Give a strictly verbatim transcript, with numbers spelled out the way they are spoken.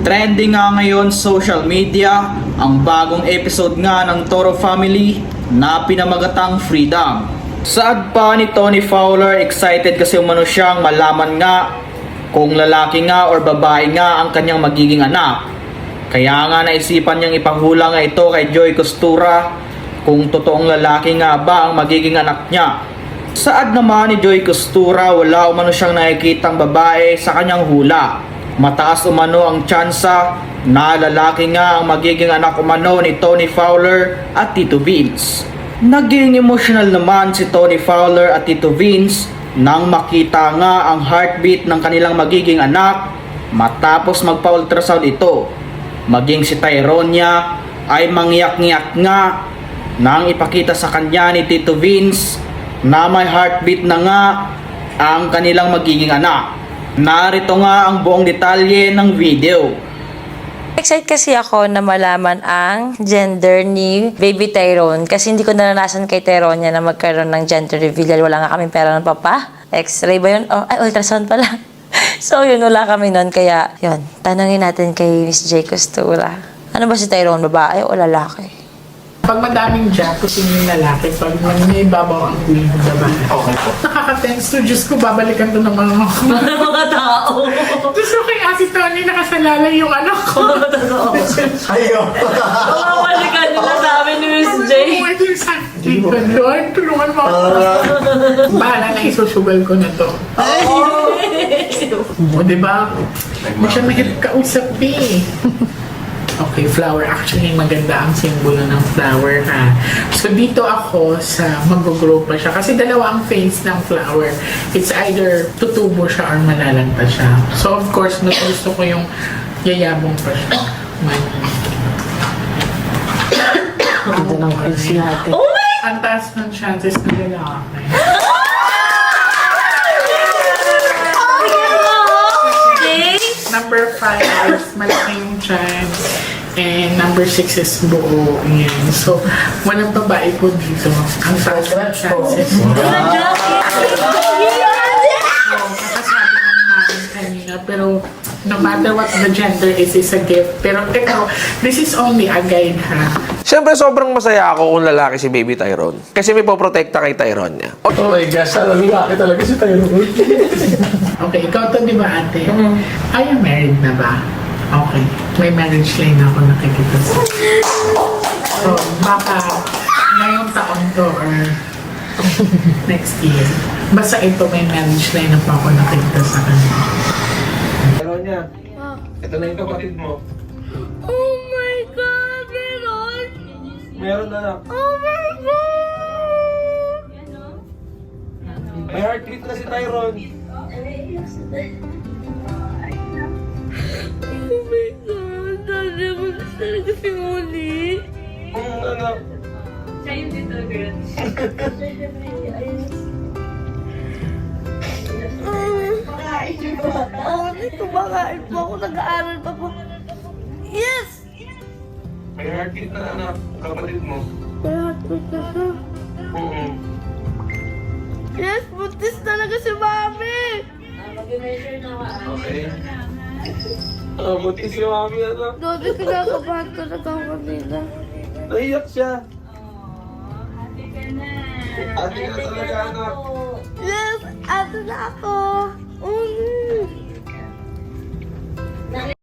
Trending nga ngayon social media ang bagong episode nga ng Toro Family na pinamagatang Freedom. Saad pa ni Tony Fowler, excited kasi umano siyang malaman nga kung lalaki nga or babae nga ang kanyang magiging anak. Kaya nga naisipan niyang ipahula nga ito kay Joy Costura kung totoong lalaki nga ba ang magiging anak niya. Saad naman ni Joy Costura, wala umano siyang nakikitang babae sa kanyang hula. Mataas umano ang tsansa na lalaki nga ang magiging anak umano ni Tony Fowler at Tito Vince. Naging emotional naman si Tony Fowler at Tito Vince nang makita nga ang heartbeat ng kanilang magiging anak matapos magpa-ultrasound ito. Maging si Tyronia ay mangyak-ngyak nga nang ipakita sa kanya ni Tito Vince na may heartbeat na nga ang kanilang magiging anak. Narito nga ang buong detalye ng video. Excited kasi ako na malaman ang gender ni Baby Tyrone kasi hindi ko naranasan kay Tyronia na magkaroon ng gender reveal. Wala nga kami pera ng papa. X-ray ba yun? Oh, ay, ultrasound pala. So yun, wala kami nun. Kaya yun, tanongin natin kay Miss J. Costura. Ano ba si Tyrone? Babae o lalaki? Pag madaming job, kasi yung lalaki, pag may babaw ang kuling ng babae. Okay po. Nakaka-tense to, Diyos ko, babalikan to ng mga mga tao. Diyos ko kay Ate Tony, nakasalalay yung anak ko. Totoo. Ayaw. Mawawalikan nila sa amin ni Miss J. Oh, ito yung sakti ko. Lord, tulungan mo ako. Bahala na isusugal ko na to. O, diba? Hindi siya mahirap kausap eh. Okay, flower. Actually, maganda ang simbolo ng flower, ha? So, dito ako sa mag-grow pa siya. Kasi dalawa ang phase ng flower. It's either tutubo siya or malalanta siya. So, of course, mas gusto ko yung yayabong pa siya. Ito ng quiz natin. Oh my! Ang taas ng chances na lalaki. Number five is malaking chance. And number six is buo. Yan. So, walang babae po dito. Ang taas ng chances. So, nakasabi ng namin kanina. Pero, no matter what the gender is, is a gift. Pero, ito, this is only a guide, ha? Siyempre, sobrang masaya ako kung lalaki si Baby Tyrone. Kasi may poprotekta kay Tyrone niya. Oh my gosh, alam lalaki talaga si Tyrone. Okay, ikaw to, di ba, ate? Mm. Are you married na ba? Okay. May marriage line ako nakikita sa. So, baka ngayong taon to or next year. Basta ito may marriage line na pa ako nakikita sa kanya. Tyrone niya, ito na yung kapatid mo. Oh my God, meron! Meron na lang. Oh my God! May heartbeat na si Tyrone. Oh my God, dali mo na talaga si Molly. Hmm, anak. Siya yung little girl. Oo, nito kumakain po ako, nag-aaral pa po. Yes! May heartbeat na anak, kapatid mo. Kaya hatod na siya. Mm-hmm. Yes, buntis talaga si Mami! Okay. Ah, buti si Mami, anak. Dodi, kinakabahan talaga ako kanina. Naiyak siya. Ate ka talaga, anak. Yes, ato na ako. Mm.